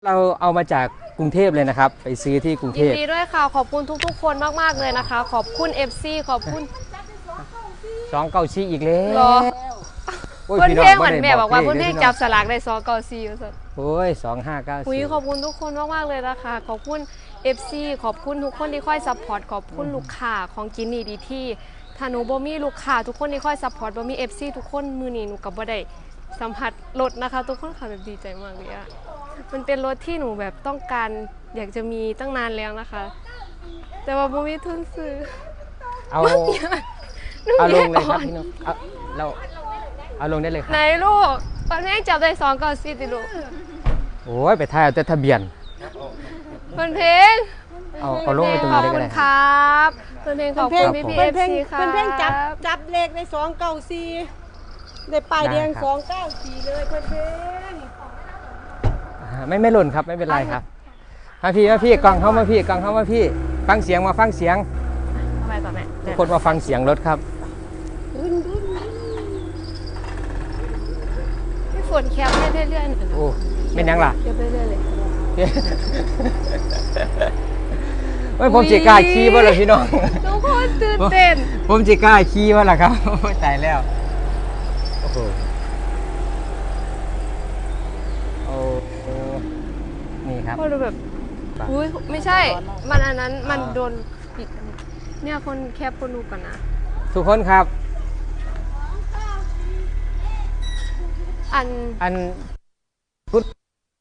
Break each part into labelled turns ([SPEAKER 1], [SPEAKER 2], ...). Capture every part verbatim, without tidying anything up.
[SPEAKER 1] เราเอามาจากกรุงเทพเลยนะครับไปซื้อที่กรุงเทพ
[SPEAKER 2] ยินดีด้วยค่ะขอบคุณทุกๆคนมากๆเลยนะคะขอบคุณ เอฟ ซี ขอบคุณ
[SPEAKER 1] สองเก้าชี้อีกแล้ว
[SPEAKER 2] เหรอเพื่อนเพลงเหมือนแม่บอกว่าเพื่อนเพลงจับสลากได้สองเก้าสี่อยู่สุด
[SPEAKER 1] โอ้ยสองห้าเก้า
[SPEAKER 2] สี่ขอบคุณทุกคนมากๆเลยนะคะขอบคุณ เอฟ ซี ขอบคุณทุกคนที่คอยซัพพอร์ตขอบคุณลูกค้าของกินนี่ดีที่ถ้าหนูบ่มีลูกค้าทุกคนที่คอยซัพพอร์ตบ่มี เอฟ ซี ทุกคนมือนี้หนูกับบ่ได้สัมผัสรถนะคะทุกคนค่ะแบบดีใจมากเลยอะมันเป็นรถที่หนูแบบต้องการอยากจะมีตั้งนานแล้วนะคะแต่ว่าบ่มีทุนซื้อ
[SPEAKER 1] เอาเอาลงเลยครับพี่น้องเอาเราเอาลงได้เลยครับ
[SPEAKER 2] ไหนลูกตอนนี้จับได้สองก่อนสิติลูก
[SPEAKER 1] โอ้ยไปถ่ายเอาแต่ทะเบียน
[SPEAKER 2] เพื่อนเพลง
[SPEAKER 1] เอาเอาลงไปตรงนี้ได้ก็ได้
[SPEAKER 2] ครับเพื่อนเพลงขอบคุณพี่พี่เอฟซีค่ะ
[SPEAKER 3] เพื่อนเพลงจับจับเลขในสองเก้าสี่ในป้ายแดงสองเก้าสี่เลยเพื่อนเพลง
[SPEAKER 1] ไม่ไม่หล่นครับไม่เป็นไรครับมาพี่มาพี่กองเข้ามาพี่กองเข้ามาพี่ฟังเสียงมาฟังเสียง
[SPEAKER 2] ทำไมต่อแม่
[SPEAKER 1] ทุกคนมาฟังเสียงรถครับ
[SPEAKER 2] พี่ฝนแคปให้เรื่อยๆ
[SPEAKER 1] โอ้ไม่ยังล่ะ
[SPEAKER 2] แคปเรื่อยๆเลย
[SPEAKER 1] ไม่ผมจีกล้าขี่ว่าล่ะพี่น้อง
[SPEAKER 2] ทุกคนตื่นเต้น
[SPEAKER 1] ผมจีกล้าขี่ว่าล่ะครับตายแล้วโอ้โหโอ้นี่ครับ
[SPEAKER 2] พอดูแบบอุ้ยไม่ใช่มันอันนั้นมันโดนปิดเนี่ยคนแคปคนดูก่อนนะ
[SPEAKER 1] ทุกคนครับ
[SPEAKER 2] อัน
[SPEAKER 1] อันพุทธ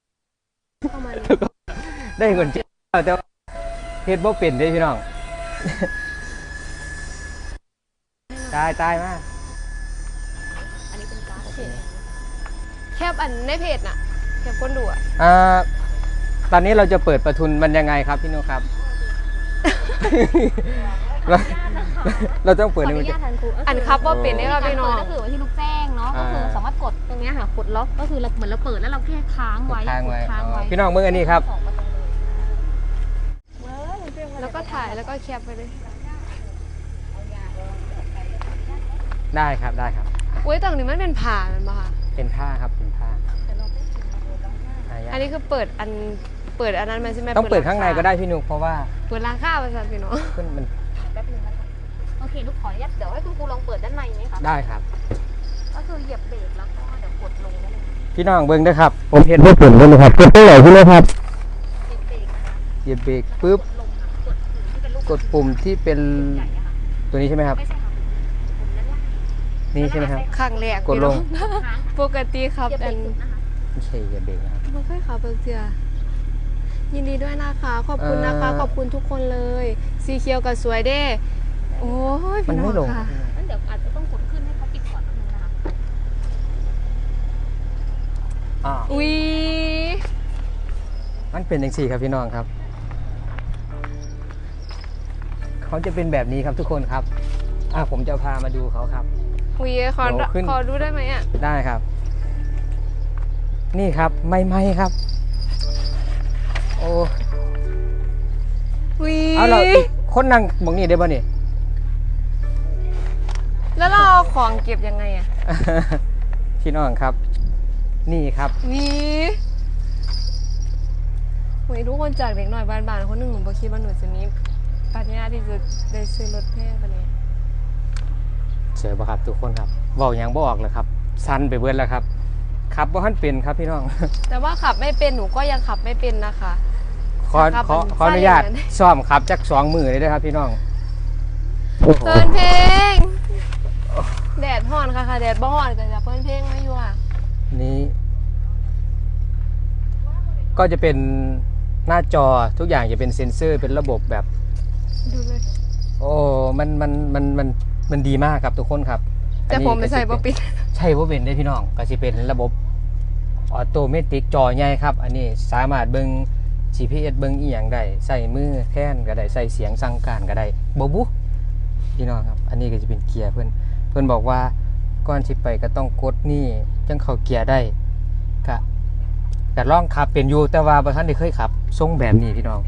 [SPEAKER 1] ได้เงินเจ้าแต่เฮ็ดบ่เป็นได้พี่น้องตายตายมาก
[SPEAKER 2] อันนี้เป็นการ์ดแคปอันในเพจน่ะแคปคนดูอ่ะ
[SPEAKER 1] อ่าตอนนี้เราจะเปิดประทุนมันยังไงครับพี่นุ๊กครับเราเราต้องเปิดในมือ
[SPEAKER 2] อันครับว่าเป็นได้ครับพี่น้อง
[SPEAKER 4] ก็คือว่าที่ลูกแจ้งเนาะก็คือสามารถกดตรงนี้ค่ะกดล็อกก็คือเราเหมือนเราเปิดแล้วเราแค่ค้างไว้
[SPEAKER 1] ค้างไว้พี่น้องมืออันนี้ครับ
[SPEAKER 2] แล้วก็ถ่ายแล้วก็แคปไปเลย
[SPEAKER 1] ได้ครับได้ครับ
[SPEAKER 2] อุ้ยตรงนี้มันเป็นผ้ามันป่ะคะ
[SPEAKER 1] เป็นผ้าครับเป็นผ้า
[SPEAKER 2] อันนี้คือเปิดอันเปิดอันนั้นมันใช่ไหม
[SPEAKER 1] ต้องเปิดข้างในก็ได้พี่นุ๊กเพราะว่า
[SPEAKER 2] เปิดราคาภาษาพี่น้อง
[SPEAKER 1] ขึ้นมัน
[SPEAKER 4] แป๊บนึงนะคะโอเคลูกขออนุญาตเดี๋ยวให้คุณครูลองเปิดด้านในไหมคะ
[SPEAKER 1] ได้ครับ
[SPEAKER 4] ก็คือเหยียบเบรกแล้วก็เดี๋ยวกดลงได้เลย
[SPEAKER 1] พี่น้องเบิ้งได้ครับผมเห็นว่าเปิดเลยครับกดเท่าไหร่พี่นุ๊กครับเหยียบเบรกปุ๊บกดปุ่มที่เป็นตัวนี้ใช่ไหมครับนี่ใช่ไหมครับ
[SPEAKER 2] ข้างแรก
[SPEAKER 1] กดลง
[SPEAKER 2] ปกติครับอัน
[SPEAKER 1] ไม่ใช่เหยียบเบรกนะครับ
[SPEAKER 2] ไม่ค่อยขับเบรกเสียยินดีด้วยนะคะขอบคุณนะคะขอบคุณทุกคนเลยสีเขียวกับสวยเด้โอ้ย
[SPEAKER 1] มันไม่ลง
[SPEAKER 2] ค่ะ
[SPEAKER 4] งั้นเดี๋ยวอาจจะต้องกดขึ้นให้เขาปิดก่อนนิดนึงนะคะ
[SPEAKER 2] อุ้ย
[SPEAKER 1] มันเป็นอย่างสี่ครับพี่น้องครับเขาจะเป็นแบบนี้ครับทุกคนครับอ่ะผมจะพามาดูเขาครับ
[SPEAKER 2] อุ้ยขอขอดูได้ไหมอ่ะ
[SPEAKER 1] ได้ครับนี่ครับไม่ไม่ครับโอ้
[SPEAKER 2] วิ
[SPEAKER 1] เอาเราคนนั่งมองนี่ได้ป่ะนี่
[SPEAKER 2] แล้วเราเอาของเก็บยังไงอ่ะ
[SPEAKER 1] พี่น้องครับนี่ครับ
[SPEAKER 2] วิวิทุกคนจากเด็กหน่อยบ้านๆคนหนึ่งหนูบอกคิดว่าหนูจะมีปัญญาที่จะได้ซื้อรถแพงกันเลย
[SPEAKER 1] เจอป่ะครับทุกคนครับบอกยังบอกเลยครับสั้นไปเบิดแล้วครับขับว่าท่านเป็นครับพี่น้อง
[SPEAKER 2] แต่ว่าขับไม่เป็นหนูก็ยังขับไม่เป็นนะคะ
[SPEAKER 1] ขอขอขออนุญาตซ้อมขับจักสองมือเลยด้วยครับพี่น้อง
[SPEAKER 2] เปิดเพลงแดดห่อนค่ะค่ะแดดบ่ห่อนกันจะเปิดเพลงไม่อยู่อ่ะ
[SPEAKER 1] นี้ก็จะเป็นหน้าจอทุกอย่างจะเป็นเซ็นเซอร์เป็นระบบแบบ
[SPEAKER 2] ดูเลย
[SPEAKER 1] โอ้มันมันมันมันมันดีมากครับทุกคนครับ
[SPEAKER 2] แต่ผมไม่ใช่ป๊อปปี้
[SPEAKER 1] ใช่ว่าเป็นได้พี่น้องก็จะเป็นระบบออโตเมติกจอใหญ่ครับอันนี้สามารถเบิ่ง จี พี เอส เบิ่งอีหยังได้ใส่มือแค้นก็ได้ใส่เสียงสั่งการก็ได้บ่บุพี่น้องครับอันนี้ก็จะเป็นเกียร์เพิ่นเพิ่นบอกว่าก่อนสิไปก็ต้องกดนี่จังเข้าเกียร์ได้ก็ก็ลองขับเป็นอยู่แต่ว่าบ่ทันได้เคยขับทรงแบบนี้พี่น้อง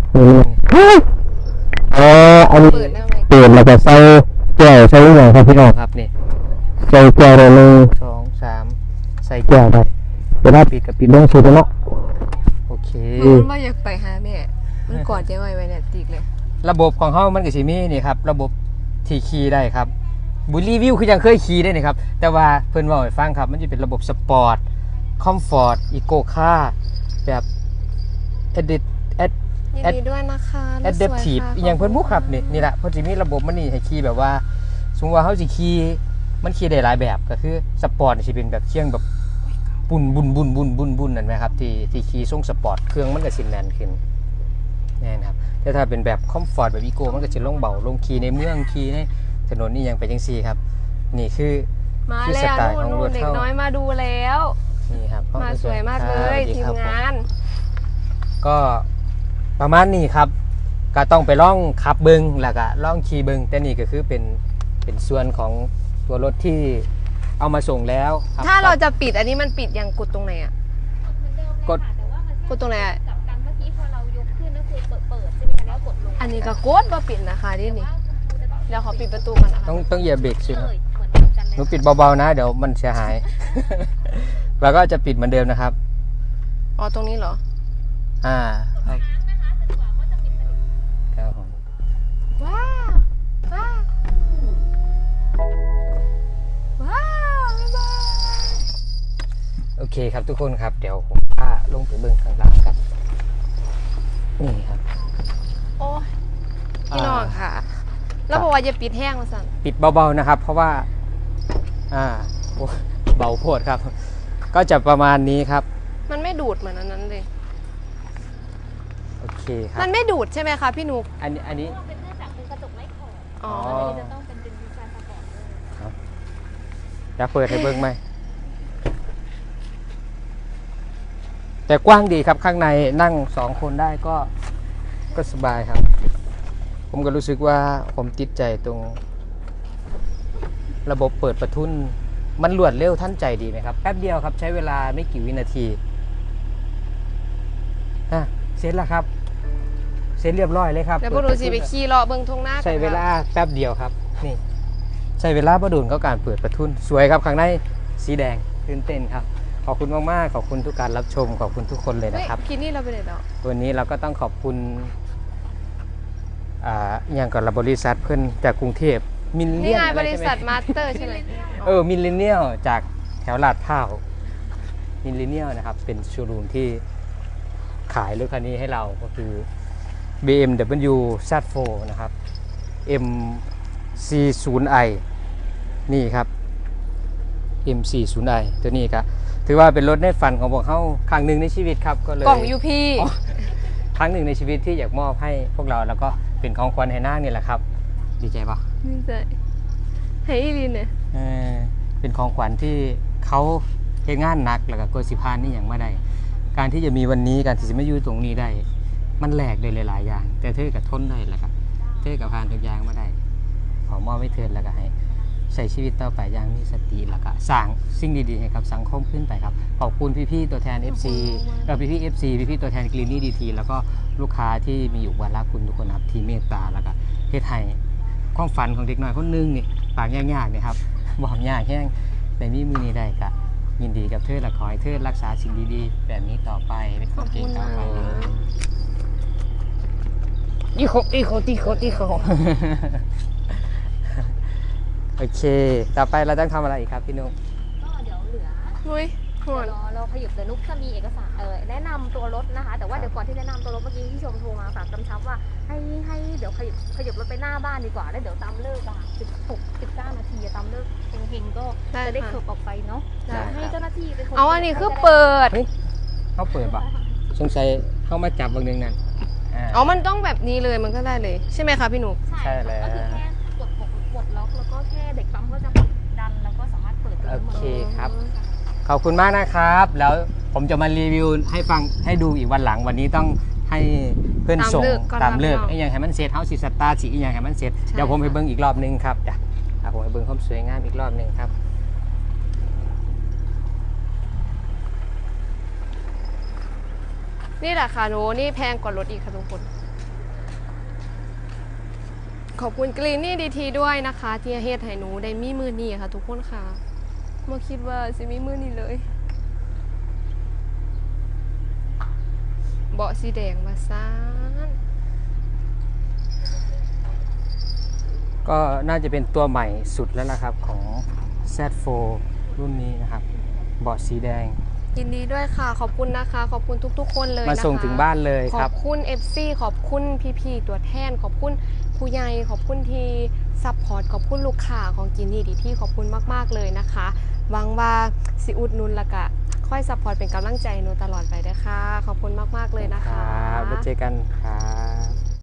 [SPEAKER 1] เอออันนี้เปิดแล้วก็ใส่แก้วใส่หยังครับพี่น้องครับนี่ใส่แก้วได้หนึ่ง สอง สามใส่แก้วได้เวลาปิดกับปิดลงสุดแล้วโอเค
[SPEAKER 2] มันว่าอยากไปหาแม่มันกอดเจ๊ไว้ไว้เนี่ยติกเลย
[SPEAKER 1] ระบบของเขามันก็สิมีนี่ครับระบบที่ขี่ได้ครับบุรีวิวคือยังเคยขี่ได้นี่ครับแต่ว่าเพิ่นบอกให้ฟังครับมันจะเป็นระบบสปอร์ตคอมฟอร์ตอีโกคาร์แบบเอดิตแอด
[SPEAKER 2] ยิน
[SPEAKER 1] แอด
[SPEAKER 2] ดีด้วยนะคะ
[SPEAKER 1] แอดเดปทีฟอีหยังเพิ่นบุครับนี่นี่แหละเพิ่นสิมีระบบมันนี่ให้ขี่แบบว่าสมมุติว่าเฮาสิขี่มันขี่ได้หลายแบบก็คือสปอร์ตสิเป็นแบบเคียงแบบบุนบุนบุนบุนบุนบุนนั่นไหมครับที่ที่ขี่ทรงสปอร์ตเครื่องมันก็สิแน่นขึ้นแน่นครับแต่ถ้าเป็นแบบคอมฟอร์ตแบบอีโก้มันก็จะลงเบาลงขี่ในเมืองขี่ในถนนนี่ยังไปจังซี่ครับนี่คือ
[SPEAKER 2] มา
[SPEAKER 1] คือ
[SPEAKER 2] แล้
[SPEAKER 1] ส
[SPEAKER 2] ว
[SPEAKER 1] ไตล์ของ
[SPEAKER 2] นู่
[SPEAKER 1] ร
[SPEAKER 2] น
[SPEAKER 1] ถ
[SPEAKER 2] ๆเด็ก
[SPEAKER 1] เท่า
[SPEAKER 2] น้อยมาดูแล้ว
[SPEAKER 1] นี่ครับ
[SPEAKER 2] มาสวยมากเลย
[SPEAKER 1] ครับ
[SPEAKER 2] ทีม
[SPEAKER 1] ครับผ
[SPEAKER 2] งาน
[SPEAKER 1] ก็ประมาณนี้ครับก็ต้องไปล่องขับเบิงแล้วก็ล่องขี่เบิงแต่นี่ก็คือเป็นเป็นส่วนของตัวรถที่เอามาส่งแล้วครับ
[SPEAKER 2] ถ้าเราจะปิดอันนี้มันปิดยังกดตรงไหนอ่ะ
[SPEAKER 1] กด
[SPEAKER 4] แต่ว่ามัน
[SPEAKER 2] กดตรงไหนอะ
[SPEAKER 4] กับกันเมื่อกี้พอเรายกขึ้นก็คือเปิดเปิดใช่ไหมคะแล้วกดลง
[SPEAKER 2] อันนี้ก็กดว่าปิดนะคะนี่นี่เดี๋ยวขอปิดประตูก่อนนะคะ
[SPEAKER 1] ต้องต้องเหยียบเบรกสิ
[SPEAKER 4] เลย
[SPEAKER 1] ครับ
[SPEAKER 4] เหมือนกันเลย
[SPEAKER 1] หนูปิดเบาๆนะเดี๋ยวมันเสียหาย แล้วก็จะปิดเหมือนเดิมนะครับ
[SPEAKER 2] อ๋อตรงนี้เหรอ
[SPEAKER 1] อ่าครับครับผม
[SPEAKER 2] ว้าวว้าวว้าวบ๊ายบาย
[SPEAKER 1] โอเคครับทุกคนครับเดี๋ยวผมพาลงไปเบิ้งข้างล่างกันนี่ครับ
[SPEAKER 2] โอ้ยพี่น้องค่ะ แล้วบอกว่าอย่าปิดแห้งมาสั่น
[SPEAKER 1] ปิดเบาๆนะครับ เพราะว่าอ่าโอ้เบาโพดครับ ก็จะประมาณนี้ครับ
[SPEAKER 2] มันไม่ดูดเหมือนอันนั้นเลย
[SPEAKER 1] โอเคครั
[SPEAKER 2] มั
[SPEAKER 1] บ
[SPEAKER 2] นไม่ดูดใช่ไหมคะพี่นุก
[SPEAKER 1] อันนี้อันนี้
[SPEAKER 4] เป็นเนื่องจากเป็นกระจกไร้ขอบ
[SPEAKER 2] อ๋อ
[SPEAKER 1] อ๋อ
[SPEAKER 4] อันนี้จะต้องเป็นเป็นดีไซน์สปอร์ตเลย
[SPEAKER 1] จะเปิดให้เบิ้งไหมแต่กว้างดีครับข้างในนั่งสองคนได้ก็ก็สบายครับ ผมก็รู้สึกว่าผมติดใจตรง ระบบเปิดประทุนมันรวดเร็วทันใจดีไหมครับแป๊บเดียวครับใช้เวลาไม่กี่วินาทีฮะเสร็จแล้วครับเสร็จเรียบร้อยเลยครับ
[SPEAKER 2] เดี๋ยวพวกหนูสิไปขี่เลาะเบิ่งทงหน้ากัน
[SPEAKER 1] ใช้เวลาแป๊บเดียวครับนี่ใช้เวลาประดุนก็การเปิดประทุนสวยครับข้างในสีแดงตื่นเต้นครับขอบคุณมากๆขอบคุณทุกการรับชมขอบคุณทุกคนเลย
[SPEAKER 2] เฮ้ย
[SPEAKER 1] นะครับ
[SPEAKER 2] คิดนี่เราไปไหนแล้ว
[SPEAKER 1] วันนี้เราก็ต้องขอบคุณอ่าอย่างกับบริษัทเพื่อนจากกรุงเทพมิลเลี
[SPEAKER 2] นี่
[SPEAKER 1] ยน
[SPEAKER 2] ไง
[SPEAKER 1] อะไร
[SPEAKER 2] บริ
[SPEAKER 1] ใช่ไหม
[SPEAKER 2] ษัทมาสเตอร์ใช่ไหม
[SPEAKER 1] เออมิลเลนเนียลจากแถวลาดพร้าวมิลเลนเนียลนะครับเป็นโชว์รูมที่ขายรถคันนี้ให้เราก็คือ บี เอ็ม ดับเบิลยู แซด โฟร์ นะครับ เอ็ม ซี ศูนย์ ไอ นี่ครับ เอ็ม ซี ศูนย์ ไอ ตัวนี้ครับถือว่าเป็นรถในฝันของพวกเขาครั้งหนึ่งในชีวิตครับก็เลย
[SPEAKER 2] กล่องยูพี
[SPEAKER 1] อ๋อ ครั้งหนึ่งในชีวิตที่อยากมอบให้พวกเราแล้วก็เป็นของขวัญให้นางนี่แหละครับ ดีใจปะ
[SPEAKER 2] นี่ใจให้อีลินเนี่ย
[SPEAKER 1] เออเป็นของขวัญที่เขาเฮ็ดงานหนักแล้วก็โกสิพานนี่อย่างไม่ได้ การที่จะมีวันนี้การที่จะไม่อยู่ตรงนี้ได้ มันแหลกเลยหลายๆอย่าง แต่เธอกับทนได้แหละครับเธอกับพานทุกอย่างมาได้ขอมอบให้เธอแล้วก็ให้ใช้ชีวิตต่อไปอย่างมีสติแล้วก็สร้างสิ่งดีๆให้กับสังคมขึ้นไปครับขอบคุณพี่ๆตัวแทน เอฟ ซี เอ่อพี่ๆ เอฟ ซี พี่ๆตัวแทนกรีนนี่ดีทีแล้วก็ลูกค้าที่มีอยู่วาระคุณทุกคนครับที่เมตตาแล้วก็เฮ็ดให้ความฝันของเด็กน้อยคนหนึงนี่ปากยากๆนี่ครับ บอกยากแห้งแต่มีมือนี้ได้ก็ยินดีกับเธอและขอให้เธอรักษาสิ่งดีๆแบบนี้ต่อไปเป็นคนเก่งต่อไปเลยอีโคอีโคตีโคตีโค โอเค ต่อไปเราต้องทำอะไรอีกครับพี่นุ๊ก
[SPEAKER 4] ก็เดี๋ยวเหลือ
[SPEAKER 2] นุ้ยห
[SPEAKER 4] เดี๋
[SPEAKER 2] อ
[SPEAKER 4] ยวน รอเราขยับเดี๋ยวนุ๊กจะมีเอกสารเออแนะนำตัวรถนะคะ แต่ว่าเดี๋ยวก่อนที่แนะนำตัวรถเมื่อกี้ที่ชมโทรมาฝากกำชับว่าให้ให้เดี๋ยวขยับขยับรถไปหน้าบ้านดีกว่าแล้วเดี๋ยวตามเลิกอะสิบหกสิบเก้านาทีอะตามเลิกเฮงๆก็จะได้เขิบออกไปเนาะ
[SPEAKER 1] ได้
[SPEAKER 4] ให้เจ้าหน้าที่เป็นคน
[SPEAKER 2] เอาอันนี้คือเปิด
[SPEAKER 1] เฮ้ยเขาเปิดปะสงสัยเข้ามาจับบางนึงนั่นอ่า
[SPEAKER 2] อ๋อมันต้องแบบนี้เลยมันก็ได้เลย ใช่ไหมคะพี่นุก
[SPEAKER 1] ใช่แล้ว
[SPEAKER 4] ก็คือแค่กดปลดปลดล็อกแล้วก็แค่เด็กปั๊มก็จะดันแล้วก็สามารถเปิด
[SPEAKER 1] โอเคครับ
[SPEAKER 4] ค่ะ
[SPEAKER 1] ขอบคุณมากนะครับ แล้วผมจะมารีวิวให้ฟังให้ดูอีกวันหลังวันนี้ต้องให้เพื่อนส่ง
[SPEAKER 2] ตามเลิกก่อน
[SPEAKER 1] ตามเลิก
[SPEAKER 2] นะ
[SPEAKER 1] ไอ้อยังให้มันเสร็จเฮาสิสตาร์ทสิอีกอย่างให้มันเสร็จ
[SPEAKER 2] ใช่
[SPEAKER 1] เดี๋ยวผมไป
[SPEAKER 2] ค่ะ
[SPEAKER 1] เบิ้งอีกรอบนึงครับจ้ะอ่ะผมไปเบิ้งความสวยงามอีกรอบนึงครับ
[SPEAKER 2] นี่แหละค่ะหนูนี่แพงกว่ารถอีกค่ะทุกคน ขอบคุณกรีนนี่ดีทีด้วยนะคะ ที่เฮ็ดให้หนูได้มีมือนี้ค่ะ ทุกคนค่ะมาคิดว่าสิมีมือนี้เลยเบาะสีแดงมาซ่าน
[SPEAKER 1] ก็น่าจะเป็นตัวใหม่สุดแล้วล่ะครับของ แซด โฟร์ รุ่นนี้นะครับเบาะสีแดง
[SPEAKER 2] ยินดีด้วยค่ะขอบคุณนะคะขอบคุณทุกๆคนเลยนะคะ
[SPEAKER 1] มาส่งถึงบ้านเลย
[SPEAKER 2] ข
[SPEAKER 1] ค
[SPEAKER 2] อ
[SPEAKER 1] รั
[SPEAKER 2] บบ คุณ เอฟ ซี ขอบคุณพี่ๆตัวแทนขอบคุณผู้ใหญ่ขอบคุณที่ซัพพอร์ตขอบคุณลูกค้าของกินนี่ดีที่ขอบคุณมากๆเลยนะคะหวังว่าสิอุดหนุนและก็ค่อยซัพพอร์ตเป็นกำลังใจหนูตลอดไปด้วยค่ะขอบคุณมากๆเลยนะ
[SPEAKER 1] ค
[SPEAKER 2] คะ
[SPEAKER 1] รับแล้วเจอกันครับ